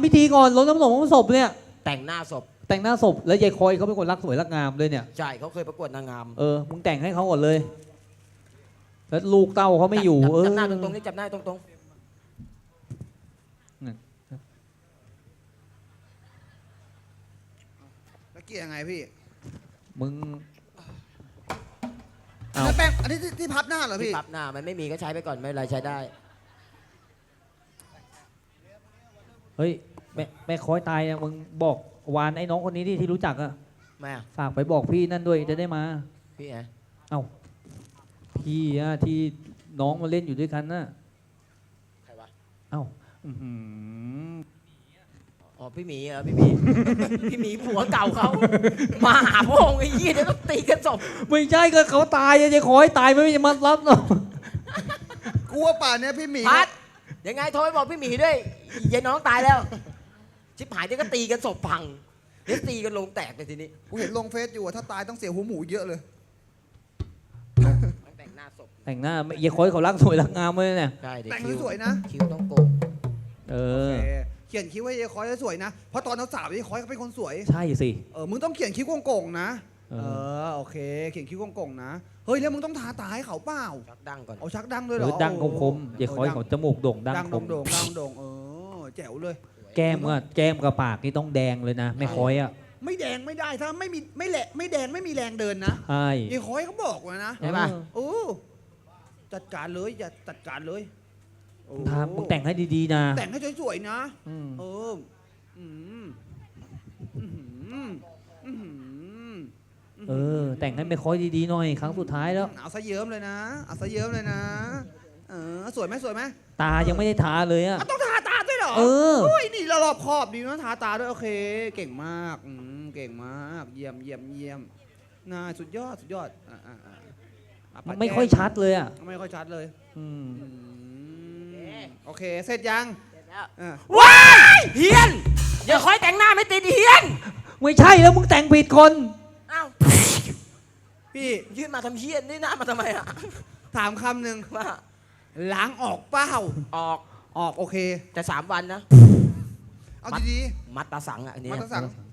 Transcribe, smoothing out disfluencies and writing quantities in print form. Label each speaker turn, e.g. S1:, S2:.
S1: พิธีก่อนรดน้ำศพเนี่ย
S2: แต่งหน้าศพ
S1: แล้วยายคอยเขาเป็นคนรักสวยรักงามเลยเนี่ย
S2: ใช่เขาเคยประกวดนางงาม
S1: มึงแต่งให้เขาก่อนเลยแล้วลูกเต้าเขาไม่อยู่
S2: จับหน้าตรงๆนี่จับหน้าตรง
S3: แล้วเกี่ยยังไงพี่
S1: มึง
S3: แล้วแป้งอันนี้ที่พับหน้าเหรอพี่
S2: พับหน้ามันไม่มีก็ใช้ไปก่อนไม่เป็นไรใช้ได้
S1: เฮ้ยแม่คอยตายมึงบอกวานไอ้น้องคนนี้ที่รู้จักอะ
S2: แม่
S1: ฝากไปบอกพี่นั่นด้วยจะได้มา
S2: พี่ไง
S1: พี่อะที่น้องมาเล่นอยู่ด้วยกันน่ะ
S2: ใครวะ
S1: อ๋
S2: อพี่หมีเหรอพี่หมี พี่หมีผัวเก่าเขามาหาพงไอ้ยี่เดี๋ยวต้องตีกันศพ
S1: ไม่ใช่ก็เขาตายจะขอให้ตายไม่จะมารับหรอก
S3: กลัวป่านเนี้ยพี่หมี
S2: พัดยังไงโทรไปบอกพี่หมีด้วยยายน้องตายแล้วชิบหายเดี๋ยวก็ตีกันศพพังเดี๋ยวตีกันลงแตกเลยทีนี้
S3: กูเห็นลงเฟซอยู่ถ้าตายต้องเสียหัวหมูเยอะเลย
S2: แต่งหน้าศพ
S1: แต่งหน้ายายคอยเขารักสวยรักงามเลยเนี่ย
S2: ใช่
S3: แต่งสวยนะ
S2: คิ้วต้องโกง
S3: เขียนคิ้วให้ยายคอยสวยนะเพราะตอนเราสาวยายคอยเขาเป็นคนสวย
S1: ใช่สิ
S3: มึงต้องเขียนคิ้วโก่งๆนะโอเคเขียนคิ้วโก่งๆนะเฮ้ยแล้วมึงต้องทาตาให้เขาเปล่า
S2: ชักดังก่อน
S3: เอาชักดังด้วยเหรอ
S1: ดังคมๆยายคอยเขาจมูกโด่งดังคม
S3: โด่งแจ๋วเลย
S1: แก้มกับปากนี่ต้องแดงเลยนะไม่คอยอะ
S3: ไม่แดงไม่ได้ถ้าไม่แหละไม่แดงไม่มีแรงเดินนะ
S1: ใช่
S3: ยายคอยเขาบอกไว้นะ
S2: ใช่ป่ะ
S3: จัดการเลยอย่าจัดการเลย
S1: มึงแต่งให้ดีๆนะ
S3: แต่งให้สวยๆนะ
S1: แต่งให้ไม่ค่อยดีๆหน่อยครั้งสุดท้ายแล้ว
S3: เอาซะเยิ้มเลยนะสวยไหม
S1: ตายังไม่ได้ทาเลยอะ
S3: ต้องทาตาด้วยเหรอนี่รอบขอบดีนะทาตาด้วยโอเคเก่งมากเก่งมากเยี่ยมน่าสุดยอด
S1: มันไม่ค่อยชัดเลยอะ
S3: ไม่ค่อยชัดเลยโอเคเสร็จยัง
S2: ว้ายเฮียนอย่าคอยแต่งหน้าไม่ติดเฮียน
S1: ไม่ใช่แล้วมึงแต่งผิดคน
S2: อ้าวพี่ยื่นมาทำเฮียนนี่หน้ามาทำไมอะ
S3: ถามคำหนึ่งว่าล้างออกเปล่า
S2: ออก
S3: โอเค
S2: แต่3 วันนะ
S3: เอาดี
S2: ๆมัดตาสังอันนี้
S3: มัดตาสัง